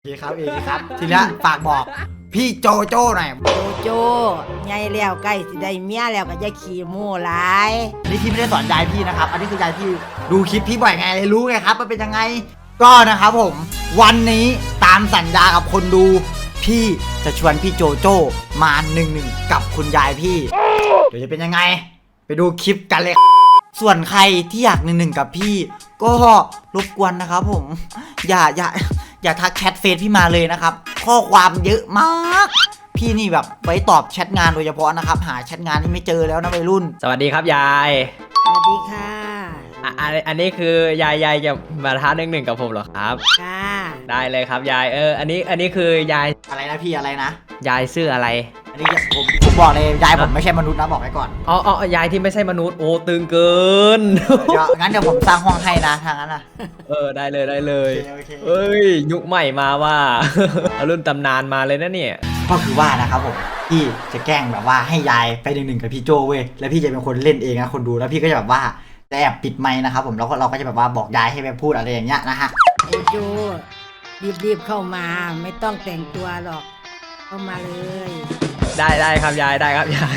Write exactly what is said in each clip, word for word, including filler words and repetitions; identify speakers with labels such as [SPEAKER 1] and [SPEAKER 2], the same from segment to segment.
[SPEAKER 1] โอเคครับเองครับทีนี้ฝากบอกพี่โจโจ้หน่อย
[SPEAKER 2] โจโจ้ใหญ่แล้วใกล้สิได้เมียแล้วก็จะขี่โม่หลาย
[SPEAKER 1] อันนี้พี่ไม่ได้สอนยายพี่นะครับอันนี้คือยายพี่ดูคลิปพี่บ่อยไงเลยรู้ไงครับมันเป็นยังไงก็นะครับผมวันนี้ตามสัญญากับคนดูพี่จะชวนพี่โจโจ้มาหนึ่งหนึ่งกับคุณยายพี่เดี๋ยวจะเป็นยังไงไปดูคลิปกันเลยส่วนใครที่อยากหนึ่งหนึ่งกับพี่ก็รบกวนนะครับผมอย่าอย่าอย่าทักแชทเฟซพี่มาเลยนะครับข้อความเยอะมากพี่นี่แบบไว้ตอบแชทงานโดยเฉพาะนะครับหาแชทงานนี่ไม่เจอแล้วนะวัยรุ่น
[SPEAKER 3] สวัสดีครับยาย
[SPEAKER 2] สวัสดีค่ะ
[SPEAKER 3] อ่ะอันอันนี้คือยายยายจะมาท้าหนึ่งหนึ่งกับผมเหรอครับ
[SPEAKER 2] ค่ะ
[SPEAKER 3] ได้เลยครับยายเอออันนี้อันนี้คือยาย
[SPEAKER 1] อะไรนะพี่อะไรนะ
[SPEAKER 3] ยายชื่ออะไร
[SPEAKER 1] อันนี้ผมผมบอกเลยยายผมไม่ใช่มนุษย์นะบอกไว้ก่อน
[SPEAKER 3] อ๋ออ๋อยายที่ไม่ใช่มนุษย์โอ้ตึงเกิน
[SPEAKER 1] เดี๋ยวงั้นเดี๋ยวผมสร้างห้องให้นะทางนั้นนะ
[SPEAKER 3] เออได้เลยได้เลยเอ้ยยุคใหม่มาว่ารุ่นตำนานมาเลยนะเนี่ย
[SPEAKER 1] ก็คือว่านะครับผมพี่จะแกล้งแบบว่าให้ยายไปหนึ่งหนึ่งกับพี่โจเว้ยแล้วพี่จะเป็นคนเล่นเองนะคนดูแล้วพี่ก็จะแบบว่าจะแอบปิดไมค์นะครับผมแล้วก็เราก็จะแบบว่าบอกยายให้ไปพูดอะไรอย่างเงี้ยนะฮะ
[SPEAKER 2] โจโจ้รีบๆเข้ามาไม่ต้องแต่งตัวหรอกเข้ามาเลย
[SPEAKER 3] ได้ได้ครับยายได้ครับยาย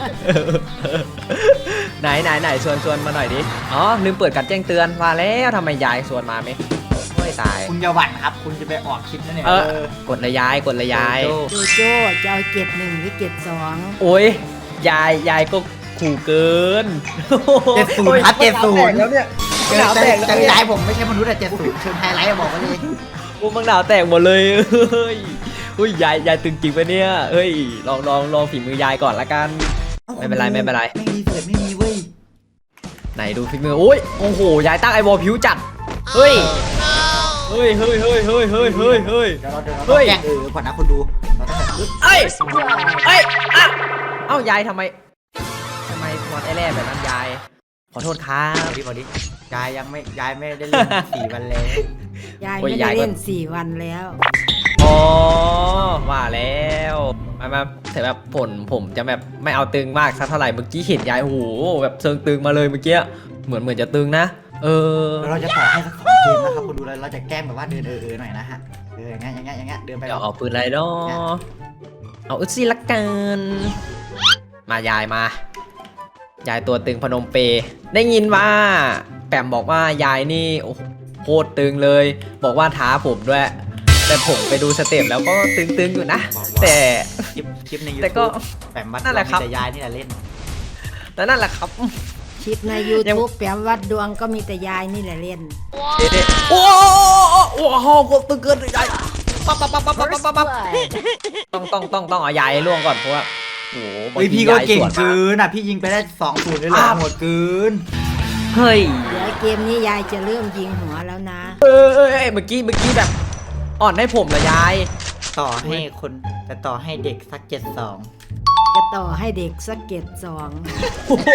[SPEAKER 3] ไหนไหนไหนชวนชวนมาหน่อยดิอ๋อลืมเปิดการแจ้งเตือนมาแล้วทำไมยายชวนมาไหมไม่ตาย
[SPEAKER 1] คุณอย่าหวั่นครับคุณจะไปออกคลิปนั่นเนี่ย
[SPEAKER 3] เออกดเลยยายกดเลยยาย
[SPEAKER 2] โจโจ้จะเอาเก็บหนึ่งหรือเก็บสอง
[SPEAKER 3] โอ้ยยายยายก็ขู่เกิน
[SPEAKER 1] เจ็ดศูนย์ครับเจ็ดศูนย์
[SPEAKER 3] แล้วเนี่ย
[SPEAKER 1] เจอเจอยายผมไม่ใช่มนุษย์แต่เจ็ดศูนย์เชิงไฮไลท์บอกมาเลย
[SPEAKER 3] โอ้มังดาวแตกหมดเลยเฮ้ยอุ้ยยายยายตึงจริงไปเนี่ยเฮ้ยลองลองลองฝีมือยายก่อนละกันไม่เป็นไรไม่เป็นไร
[SPEAKER 1] ไม่มีเสือไม่มีเว้ย
[SPEAKER 3] ไหนดูฝีมือโอ้ยโอ้โหยายตั้งไอวอลผิวจัดเฮ้ยเฮ้ยเฮ้ยเฮ้ยเฮ้ยเฮ้ยเฮ้ยเฮ้ย
[SPEAKER 1] เดี๋ยวเราเดี๋ยวเราแกล้งเออก่อนนะคนดู
[SPEAKER 3] เอ้ยเอ้ยเอ้ายายทำไมทำไมหมดไอแร่แบบนั้นยายขอโทษครับ
[SPEAKER 1] ดิบอดิยายยังไม่ยายไม่ได้เล่นสี่วันแล้ว
[SPEAKER 2] ยายไม่ได้เล่นสี่วันแล้ว
[SPEAKER 3] อ๋อว่าแล้วมามาแต่แบบผลผมจะแบบไม่เอาตึงมากสักเท่าไหร่เมื่อกี้เห็นยายโอ้โหแบบเชิงตึงมาเลยเมื่อกี้เหมือนเหมือนจะตึงนะเออ
[SPEAKER 1] เราจะต่อให้สักสองเกมนะครับคุณดูเลยเราจะแกล้งแบบว่าเดินเออๆหน่อยนะฮะเอออย่างเงี้ยอย่างเงี้ยอย่างเงี้ยเดินไป
[SPEAKER 3] เดี๋ยวเอาปืนไรดอเอาอึดซี่ละกันมายายมายายตัวตึงพนมเปได้ยินว่าแปมบอกว่ายายนี่โอ้โหโคตรตึงเลยบอกว่าท้าผมด้วยแต่ผมไปดูสเต็ปแล้วก็ตึงๆอยู่นะแต่
[SPEAKER 1] คลิปคลิปในยู
[SPEAKER 3] ทูบ
[SPEAKER 1] แปมวัดนั่นแหละครับแต่ยายนี่แหละเล่น
[SPEAKER 3] แล้วนั่นแหละครับ
[SPEAKER 2] คลิปใน ยูทูบ แปมวัดดวงก็มีแต่ยายนี่แหละเล่น
[SPEAKER 3] โอ้โหโอ้โหกดตึงเกินยายปั๊บปั๊บปั๊บปั๊บปั๊บปั๊บต้องต้องต้องต้องเอายายล่วงก่อนเพราะว่าโอ้โห
[SPEAKER 1] พี่ก็เก่งเกินอ่ะพี่ยิงไปได้สองศูนย์เลยเหรอหมดเกิน
[SPEAKER 3] เฮ้ย
[SPEAKER 2] เดี๋ยวเกมนี้ยายจะเริ่มยิงหัวแล้วนะ
[SPEAKER 3] เออเออเมื่อกี้เมื่อกี้แบบอ่อนให้ผมเหรอยาย
[SPEAKER 1] ต่อให้คนจะต่อให้เด็กสักเจ็ดสอง
[SPEAKER 2] จะต่อให้เด็กสักเจ็ดสอง
[SPEAKER 3] โอ้โห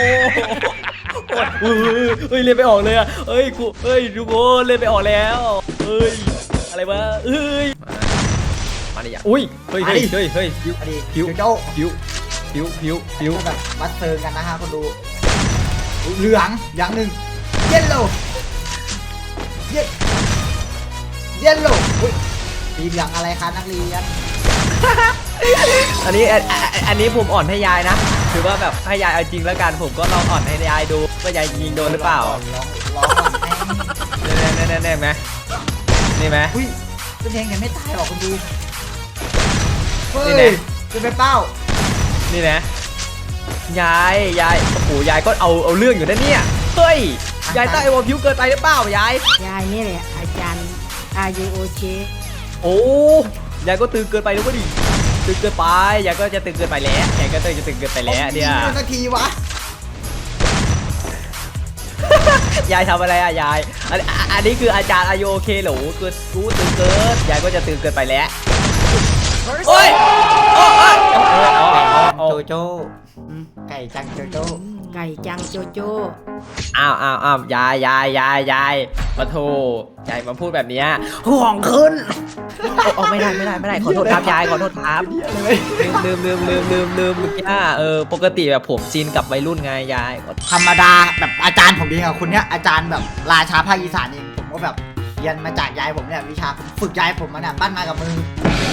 [SPEAKER 3] เฮ้ยเล่นไปออกเลยอ่ะเฮ้ยกูเฮ้ยดูโก้เล่นไปออกแล้วเฮ้ยอะไรวะเฮ้ยมาดิอ่ะอุ้ยเฮ้ยเฮ้ยเฮ้ยเฮ้ยผิวผิว
[SPEAKER 1] โจ้
[SPEAKER 3] ผิวผิวผิวผิว
[SPEAKER 1] แบบวัดเซิร์กันนะฮะคนดูเหลืองอย่างหนึ่งเยลโล่เยลเยลโล่สีเหลืองอะไรคะนักเรียน
[SPEAKER 3] อันนี้อันนี้ผมอ่อนให้ยายนะถือว่าแบบให้ยายเอาจริงแล้วกันผมก็ลองอ่อนให้ยายดูว่ายายยิงโดนหรือเปล่า
[SPEAKER 1] ลองลอง
[SPEAKER 3] แน่แน่แน่แน่ไหมนี่ไหม
[SPEAKER 1] อุ้ยเป็นเพลงยังไม่ตายหรอกคุณดูนี่แน่จะไปเป้า
[SPEAKER 3] นี่นะยายยายโอ้โหยายก็เอาเอาเรื่องอยู่นะเนี่ยเฮ้ยยายใต้วอลพิวเกินไปหรือเปล่ายาย
[SPEAKER 2] ยายนี่แหละอาจารย์อายุโอเค
[SPEAKER 3] โอ้ยายก็ตื่นเกินไปแล้วก็ดิตื่นเกินไปยายก็จะตื่นเกินไปแล้วยายก็จะตื่นเกินไปแล้วเนี่ย
[SPEAKER 1] นาทีวะ
[SPEAKER 3] ยายทำอะไรอะยายอันอันนี้คืออาจารย์อายุโอเคหรอคือรู้ตื่นเกินยายก็จะตื่นเกินไปแล้วโอ้ย
[SPEAKER 1] โจโจ้ไก่จังโจโจ้
[SPEAKER 2] ไก่จังโจโจ้
[SPEAKER 3] อ้าวอ้าวอ้าวยายยายยายยายมาโทยายมาพูดแบบนี้ห่วงขึ้นโอ้ไม่ได้ไม่ได้ไม่ได้ขอโทษครับยายขอโทษครับลืมลืมลืมลืมลืมเมื่อกี้เออปกติแบบผมชินกับวัยรุ่นไงยาย
[SPEAKER 1] ธรรมดาแบบอาจารย์ผมเองอะคนเนี้ยอาจารย์แบบราชาภาคอีสานเองผมก็แบบเรียนมาจากยายผมเนี่ยวิชาฝึกยายผมมาเนี่ยปั้นมากับมือย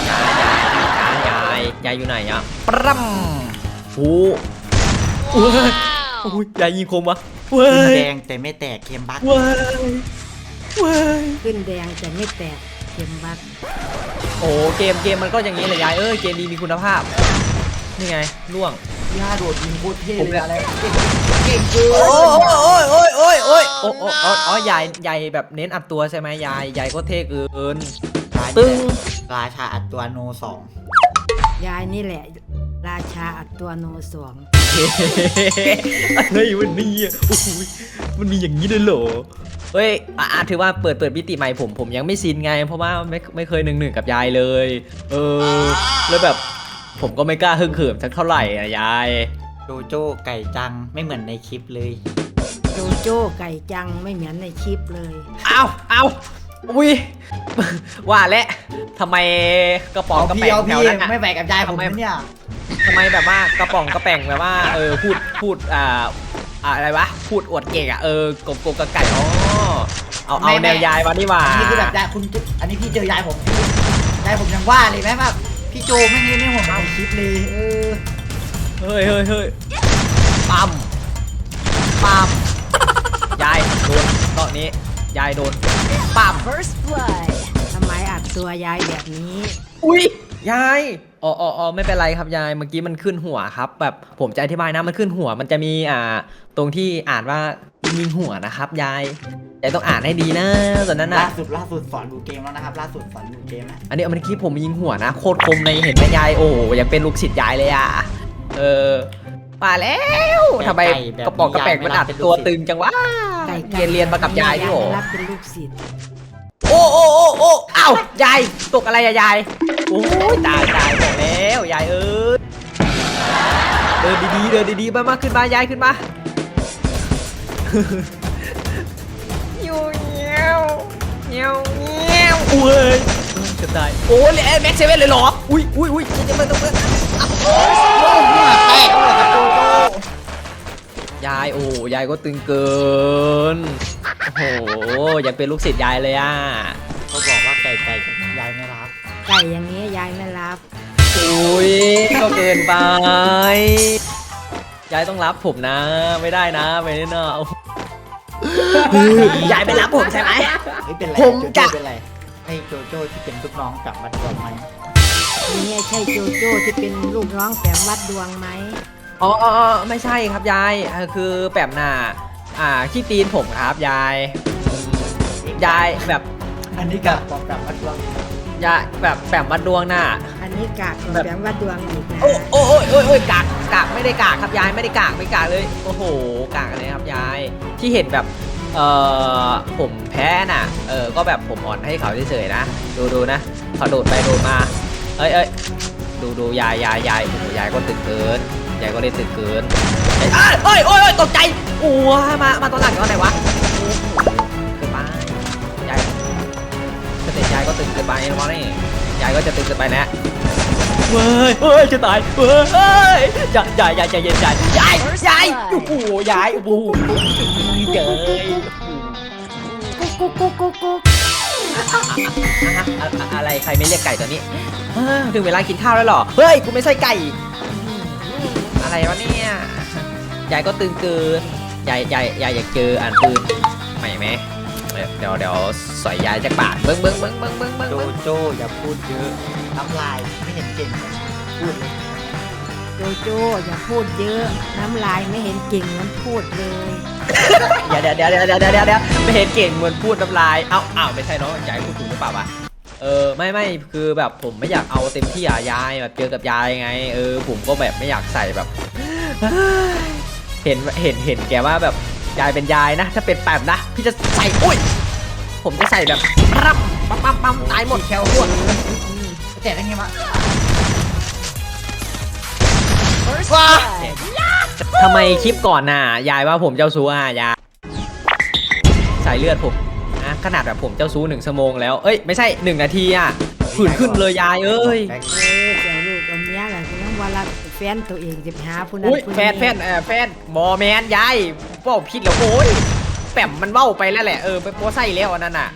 [SPEAKER 3] ายยายยายยายยายอยู่ไหนอะปรัมโอ้โหโอ้ยยายยิงคมวะเว้
[SPEAKER 1] ขึ้น
[SPEAKER 3] ย
[SPEAKER 1] แดงแต่ไม่แตกเกมบั๊ก
[SPEAKER 3] เว้ยเว้ย
[SPEAKER 2] ขึ้นแดงแต่ไม่แตกเข็มบัก
[SPEAKER 3] โอ้เกมเกมมันก็อย่างนี้แหละยายเอ้ยเกมดีมีคุณภาพนี่ไงล่วง
[SPEAKER 1] ย่าโดดยิงโคตรเท่
[SPEAKER 3] ผม
[SPEAKER 1] เล
[SPEAKER 3] เนี่ย ย
[SPEAKER 1] อะไรเก่งเก่งเกิน
[SPEAKER 3] โอ้ยโอ้ยโอ้ยโอ้ยโอ้ยโอ้โอ้โอ้อ๋อยายยายแบบเน้นอัดตัวใช่ไหมยายยายก็เท่เกินตึ้ง
[SPEAKER 1] ราชาอัดตัวโนสอง
[SPEAKER 2] ยายนี่แหละ ราชาอัดตัวโนสวง
[SPEAKER 3] อะไรวันนี้อ่ะโอ้โหมันมีอย่างนี้ด้วยเหรอเฮ้ยอ่ะอ่ะถือว่าเปิดเปิดมิติใหม่ผมผมยังไม่ชินไง เพราะว่าไม่ไม่เคยหนึ่งหนึ่งกับยายเลย เออแล้วแบบผมก็ไม่กล้าฮึ่งเขิมสักเท่าไหร่อ่ะยาย
[SPEAKER 1] โจโจ้ไก่จังไม่เหมือนในคลิปเลย
[SPEAKER 2] โจโจ้ไก่จังไม่เหมือนในคลิปเลย
[SPEAKER 3] เอาเอาอุ้ยว่าแล้วทำไมกระป๋องกระ
[SPEAKER 1] พี่
[SPEAKER 3] แป๋ง
[SPEAKER 1] เอา
[SPEAKER 3] แถ
[SPEAKER 1] พี่
[SPEAKER 3] วนั้นอ่ะ
[SPEAKER 1] ไม่แบกกับยายผม
[SPEAKER 3] ทำไม
[SPEAKER 1] เนี่ย
[SPEAKER 3] ทำไมแบบว่ากระป๋องกระแป๋งแบบว่าเออพูดพูดอ่าอ่าอะไรวะพูดอวดเก่งอ่ะเออกบกบกระไก่อ๋อเอาเอาแนวยายมานี่หว่า
[SPEAKER 1] อันนี้คือแบบยายคุณอันนี้พี่เจอยายผมยายผมยังว่าเลยแม่แบบพี่โจไม่งี้ไม่ห่วงในคลิปเลยเออ
[SPEAKER 3] เฮ้ยเฮ้ยเฮ้ยปั๊มปั๊มยายโดนตอนนี้ยายโดนปั๊ม
[SPEAKER 2] First blood ทำไมอัดตัวยายแบบนี้
[SPEAKER 3] อุ้ยยายอ๋ออ๋ออ๋อไม่เป็นไรครับยายเมื่อกี้มันขึ้นหัวครับ แบบผมจะอธิบายนะมันขึ้นหัวมันจะมีอ่าตรงที่อ่านว่ายิงหัวนะครับยายยายต้องอ่านให้ดีนะตอนนั้น
[SPEAKER 1] ล่า
[SPEAKER 3] นะ
[SPEAKER 1] สุดล่าสุดสอนดูเกมแล้วนะครับล่าสุดสอนดูเกมนะ
[SPEAKER 3] อันนี้เมื่อกี้ผมยิงหัวนะโคตรคมในเห็นไหมยายโอ้ยังเป็นลูกศิษย์ยายเลยอ่ะเออมาแล้วทำไมกระป๋องกระแปงมันอัดตัวตึงจังวะ
[SPEAKER 2] ไก่
[SPEAKER 3] เรียนเรียนมากับยายด้วยเหรอ
[SPEAKER 2] รับเป็นลูกศิษย์
[SPEAKER 3] โอ้โอ้โอ้โอ้เอ้ายายตกอะไรอะยายโอ้ยตายตายบอกแล้วยายเอ้ยเดินดีๆเดินดีๆมามากขึ้นมายายขึ้นมาอยู่เงี้ยวเงี้ยวเงี้ยวอุ้ยจะตายโอ้ยแม็กเซเว่นเลยเหรออุ้ยอุ้ยอุ้ยจะมาตรงนี้
[SPEAKER 1] โอ้หัวแตกเลยครับโจโจ้
[SPEAKER 3] ยายโอ้ยายก็ตึงเกินโอ้โหยังเป็นลูกศิษย์ยายเลยอ่ะ
[SPEAKER 1] เขาบอกว่าไก่ไก่ยายไม่รับ
[SPEAKER 2] ไก่อย่างนี้ยายไม่รับ
[SPEAKER 3] อุ้ยก็เกินไป ยายต้องรับผมนะ ไม่ได้นะไม่ได้นะยายไม่รับผมใช่ไหม
[SPEAKER 1] ไม่เป็นไร
[SPEAKER 3] ผม
[SPEAKER 1] โจ
[SPEAKER 3] จะ
[SPEAKER 1] โจ้เป็นไรให้โจโจ้ที่เป็นลูกน้องกลับมาก่อนไหม
[SPEAKER 2] นี่ใช่โจโจ้ที่เป็นลูกน้องแฝมวัดดวงไหม
[SPEAKER 3] อ๋ออ๋ออ๋อไม่ใช่ครับยายเออคือแปมน่ะอ่าขี้ตีนผมครับยาย ยายแบบ
[SPEAKER 1] อันนี้กลับบอกกลับมาทวง
[SPEAKER 3] ยายแบบแปมวัดดวงน่ะ
[SPEAKER 2] อันนี้กากของ
[SPEAKER 3] แบบ
[SPEAKER 2] แฝมวัดดวงอีกนะ
[SPEAKER 3] โอ้โอ้โอ้ยโอ้ยโอ้ยกากกากไม่ได้กากครับยายไม่ได้กากไม่กากเลยโอ้โหกากเลยครับยายที่เห็นแบบเอ่อผมแพ้น่ะเออก็แบบผมอ่อนให้เขาเฉยๆนะดูดูนะเขาโดดไปโดดมาเอ้ยเอ้ยดูดูยายยายยายโอ้โหยายก็ตึงเกินยายก็เล่นตึงเกินเอ้ยเอ้ยโอ้ยโอ้ยตกใจโอ้ยมามาตอนหลังตอนไหนวะโอ้โหเกินไปยายสเตจยายก็ตึงเกินไปนะวะนี่ยายก็จะตึงเกินไปแล้ว เว้ยเฮ้ย จะตาย เว้ยยายยายยายใจเย็นยายยายยายโอ้โหยายโอ้โหเจย
[SPEAKER 2] กุ๊กกุ๊กกุ๊กกุ๊ก
[SPEAKER 3] อะไรใครไม่เรียกไก่ตัวนี้เอ้อถึงเวลากินข้าวแล้วเหรอ เฮ้ย กูไม่ใช่ไก่ อะไรวะเนี่ย ยายก็ตึงเกิน ยายยายยายอยากเจออ่านปืนใหม่ไหมเดี๋ยวเดี๋ยวสอยยายจากบาทเบิ้งเบิ้งเบิ้งเบิ้งเบิ้งเบิ้ง
[SPEAKER 1] โจโจ้อย่าพูดเยอะน้ำลายไม่เห็นเก่งเลยพูดเลย
[SPEAKER 2] โจโจ้อย่าพูดเยอะน้ำลายไม่เห็นเก่งเหมือนพูดเลย
[SPEAKER 3] เดี๋ยวเดี๋ยวเดี๋ยวเดี๋ยวเดี๋ยวเดี๋ยวเดี๋ยวไม่เห็นเก่งเหมือนพูดน้ำลาย เอ้าเอ้าไม่ใช่เนาะยายพูดถูกหรือเปล่าวะ เออไม่ไม่คือแบบผมไม่อยากเอาเต็มที่อ่ะยายแบบเจอกับยายไง เออผมก็แบบไม่อยากใส่แบบ เห็นเห็นเห็นแกว่าแบบยายเป็นยายนะ ถ้าเป็นแปมนะพี่จะใส่อุ้ยผมจะใส่แบบปั๊มปั๊มปั๊มปั๊มตายหมด
[SPEAKER 1] แคลหัวแต่ได้ไงวะว้า
[SPEAKER 3] ทำไมคลิปก่อนน่ะยายว่าผมเจ้าชู้อ่ะยายสายเลือดผมนะขนาดแบบผมเจ้าชู้หนึ่งชั่วโมงแล้วเอ้ยไม่ใช่หนึ่งนาทีอ่ะผื่นขึ้นเลยยายเอ้ย
[SPEAKER 2] เออเจ้าลูกเอาเมียแหละคือต้องว่ารักแฟนตัวเองจะไปหาผู้นั้น
[SPEAKER 3] อุ้ย
[SPEAKER 2] ผู้
[SPEAKER 3] แฟนแฟนเออแฟนบอแมนยายเป้าผิดแล้วโอ้ยแปมมันเบ้าไปแล้วแหละเออไปโป้ไส้แล้วอันนั้นน่ะ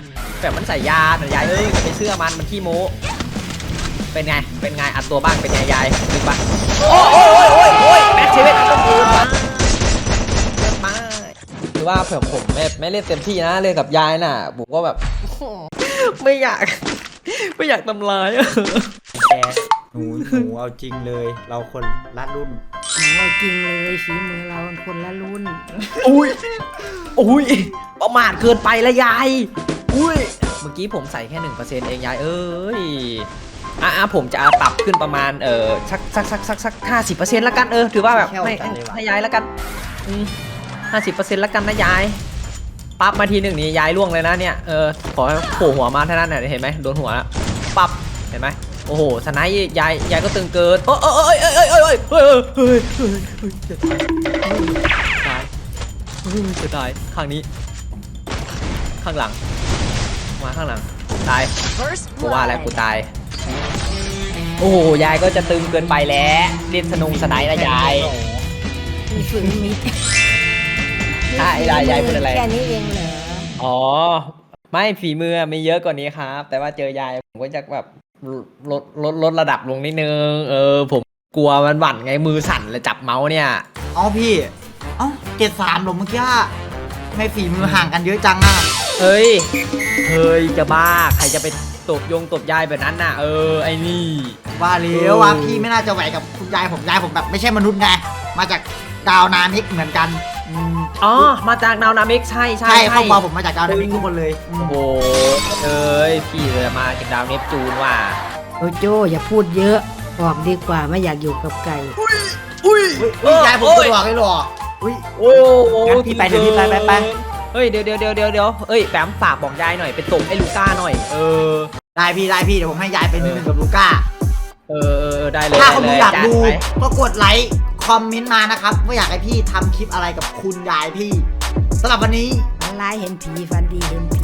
[SPEAKER 3] แบบมันใส่ยาแต่ยายเอ้ยจะไปเชื่อมันมันขี้โม้เป็นไงเป็นไงอัดตัวบ้างเป็นไงยายดึงปะโอ้ยโอ้ยโอ้ยโอ้ยแม็กเซเว่นต้องคูณมาเยอะมากคือว่าเผื่อผมไม่ไม่เล่นเต็มที่นะเล่นกับยายน่ะผมก็แบบ ไม่อยากไม่อยากทำร้ายอะแก
[SPEAKER 1] หนูหนูเอาจริงเลย เราคนละรุ่น
[SPEAKER 2] โอ้จริงเลยฝีมือเราคนละรุ่น
[SPEAKER 3] อุ้ยอุ้ยประมาทเกินไปละยายอุ้ยเมื่อกี้ผมใส่แค่หนึ่งเปอร์เซ็นต์เองยายเอ้ยอ่ะอ่ะผมจะปรับขึ้นประมาณเออสักสักสักสักสักห้าสิบเปอร์เซ็นต์ละกันเออถือว่าแบบให้ให้ให้ยายละกันห้าสิบเปอร์เซ็นต์ละกันนะยายปั๊บมาทีหนึ่งนี่ยายล่วงเลยนะเนี่ยเออขอให้โผล่หัวมาเท่านั้นน่ะเห็นไหมโดนหัวแล้วปั๊บเห็นไหมโอ้โหสไนด์ยายยายก็ตึงเกินโอ้ยเอ้ยเอ้ยเอ้ยเอ้ยเอ้ยเอ้ยเอ้ยเอ้ยเอ้ยจะตายเฮ้ยจะตายข้างนี้ข้างหลังมาข้างหลังตายกูว่าแล้วกูตายโอ้โหยายก็จะตึงเกินไปแล้วเล่นสนุงสไนด์นะยาย
[SPEAKER 2] มีฝืนมี
[SPEAKER 3] ใช่ยายยายพูดอะไร
[SPEAKER 2] แค่นี้เองเหรอ
[SPEAKER 3] อ๋อไม่ฝีมือไม่เยอะกว่านี้ครับ แต่ว่าเจอยายผมก็จะแบบลดลดลดระดับลงนิดนึงเออผมกลัวมันหวั่นไงมือสั่นเลยจับเมาส์เนี่ย
[SPEAKER 1] เอ้าพี่ เอ้าเจ็ดสามหรอเมื่อกี้ไม่ฝีมือห่างกันเยอะจังอ่ะ
[SPEAKER 3] เฮ้ยเฮ้ยจะบ้าใครจะไปตบยงตบยายแบบนั้นน่ะเออไอ้นี่
[SPEAKER 1] ว่าเลี้ยวว่าพี่ไม่น่าจะไหวกับคุณยายผมยายผมแบบไม่ใช่มนุษย์ไงมาจากดาวนามิกเหมือนกันอืม
[SPEAKER 3] อ๋อมาจากดาวนามิกใช่ใช่
[SPEAKER 1] ใช่ครอบครัวผมมาจากดาวนามิกทุกคนเลยอืม
[SPEAKER 3] โอ้โหเอ้ยพี่เลยมาจากดาวเนปจูนว่ะ
[SPEAKER 2] โอโจอย่าพูดเยอะบอกดีกว่าไม่อยากอยู่กับไก่
[SPEAKER 3] อุ้ย
[SPEAKER 1] อุ้ยยายผมตัวหลอกเลยหรออุ้ย
[SPEAKER 3] โอ้โห
[SPEAKER 1] งั้นพี่ไปเดี๋ยวพี่ไปไปไป
[SPEAKER 3] เฮ้ยเดี๋ยวเดี๋ยวเดี๋ยวเดี๋ยวเดี๋ยวเอ้ยแปมฝากบอกยายหน่อยไปตบไอ้ลูก้าหน่อยเออ
[SPEAKER 1] ได้พี่ได้พี่เดี๋ยวผมให้ยายเป็นหนึ่งกับลูก้า
[SPEAKER 3] เออเออเออได้เลย
[SPEAKER 1] ถ้าคนดูอยาก
[SPEAKER 3] จั
[SPEAKER 1] ดู
[SPEAKER 3] ไป
[SPEAKER 1] ก็กดไลค์คอมเมนต์มานะครับว่าอยากให้พี่ทำคลิปอะไรกับคุณยายพี่สำหรับวันนี้
[SPEAKER 2] ฝันร้ายเห็นผีฝันดีเห็นผี